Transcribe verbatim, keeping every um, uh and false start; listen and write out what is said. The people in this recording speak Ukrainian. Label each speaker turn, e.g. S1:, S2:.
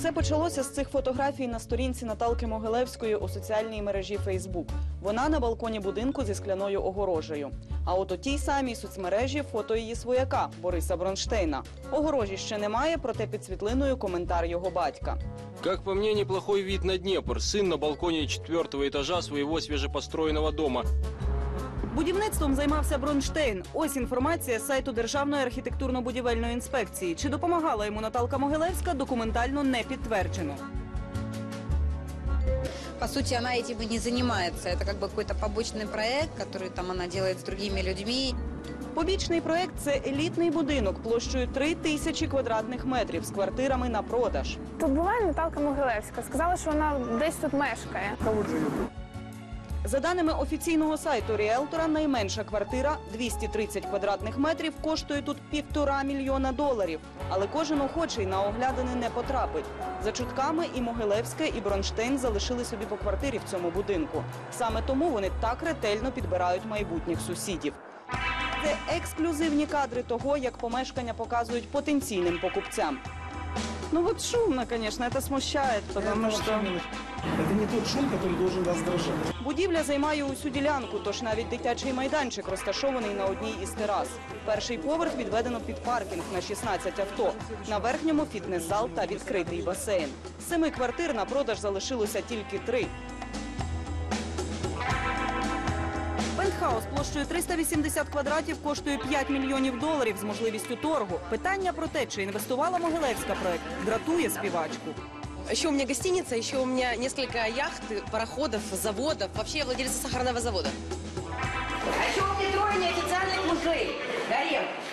S1: Усе почалося з цих фотографій на сторінці Наталки Могилевської у соціальній мережі Фейсбук. Вона на балконі будинку зі скляною огорожею. А от у тій самій соцмережі фото її свояка Бориса Бронштейна. Огорожі ще немає, проте під світлиною коментар його батька.
S2: Как по мне, неплохой вид на Днепр. Сын на балконе четвертого этажа своего свежепостроенного дома.
S1: Будівництвом займався Бронштейн. Ось інформація з сайту Державної архітектурно-будівельної інспекції. Чи допомагала йому Наталка Могилевська, документально не підтверджено.
S3: По сути, она этим и не занимается. Это как бы какой-то побочный проект, который там она делает с другими людьми.
S1: Побічний проект – це елітний будинок площею три тисячі квадратних метрів з квартирами на продаж.
S4: Тут була Наталка Могилевська. Сказала, що вона десь тут мешкає.
S1: За даними офіційного сайту ріелтора, найменша квартира – двісті тридцять квадратних метрів, коштує тут півтора мільйона доларів. Але кожен охочий на оглядини не потрапить. За чутками і Могилевська, і Бронштейн залишили собі по квартирі в цьому будинку. Саме тому вони так ретельно підбирають майбутніх сусідів. Це ексклюзивні кадри того, як помешкання показують потенційним покупцям. Ну вот шумно, конечно, это смущает, потому что...
S5: Это не тот шум, который должен вас дрожать.
S1: Будівля займає усю ділянку, тож навіть дитячий майданчик розташований на одній із терас. Перший поверх відведено під паркінг на шістнадцять авто. На верхньому фітнес-зал та відкритий басейн. З семи квартир на продаж залишилося тільки три. Пентхаус площею триста вісімдесят квадратів коштує п'ять мільйонів доларів з можливістю торгу. Питання про те, чи інвестувала Могилевська проект, дратує співачку.
S6: Еще у меня гостиница, еще у меня несколько яхт, пароходов, заводов. Вообще я владелица сахарного завода.
S7: А еще у меня трое неофициальных мужей. Гарем.